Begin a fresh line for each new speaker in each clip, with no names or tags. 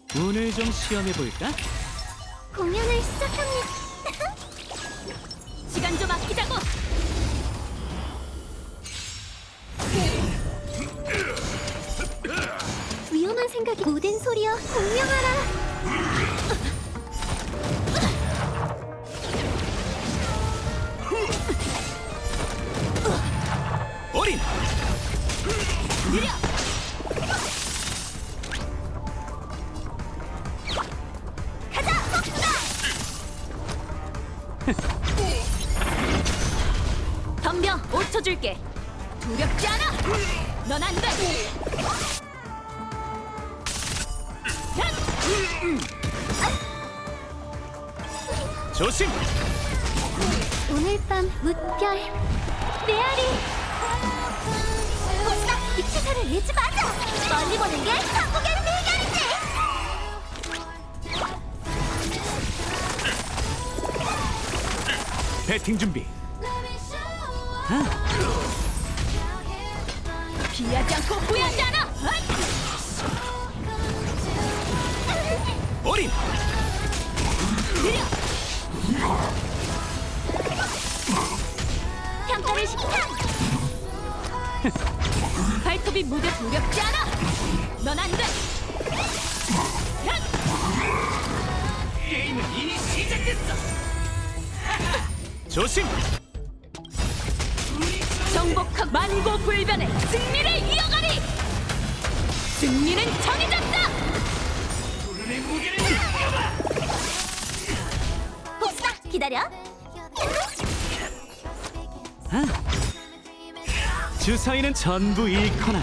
운을 좀 시험해볼까?
공연을 시작합니다. 시간 좀 아끼자고. 위험한 생각이 모든 소리여 공명하라.
어린!
느려. 가자, 폭사! 덤벼, 5초 줄게. 두렵지 않아. 넌 안 돼.
조심!
오늘 밤 무별 메아리. 폭사! 이 치사를 잃지 마자. 멀리 보는 게 한국의 대결이지.
배팅 준비.
피하지 않고 후회하지 않아.
어린!
느려. 평가를 시키자. 발톱이 무대 두렵지 않아. 넌 안 돼.
게임은 이미 시작됐어! 조심!
정복하고 만고불변의 승리를 이어가리. 승리는 정해졌다.
내 무게를 느껴봐!
복사 기다려.
주사위는 전부 잃거나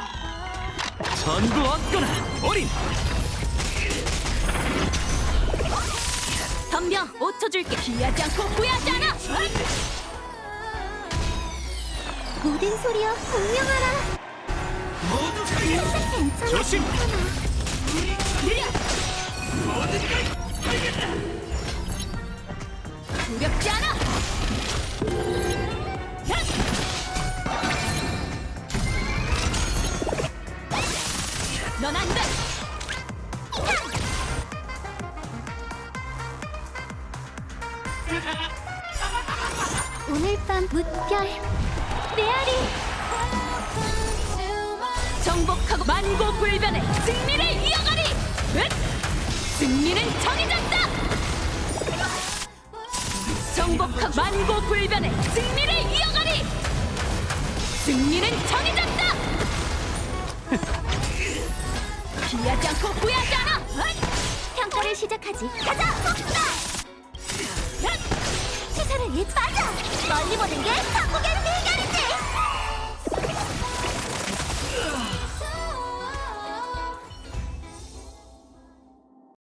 전부 얻거나. 어린!
덤벼 5초 줄게. 피하지 않고 후회하지 않아. 모든 소리여 공명하라.
모두
괜찮아.
조심!
느려.
모든 걸 알겠다!
두렵지 않아. 넌 안 돼. 오늘 밤 무별 메아리. 정복하고 만고불변의 승리를 이어가리. 승리는 정해졌다. 정복하고 만고불변의 승리를 이어가리. 승리는 정해졌다. 피하지 않고 후회하지 않아. 평가를 시작하지. 가자, 폭사! 시사를 잃지 마자. 멀리 보는 게 한국의 대결.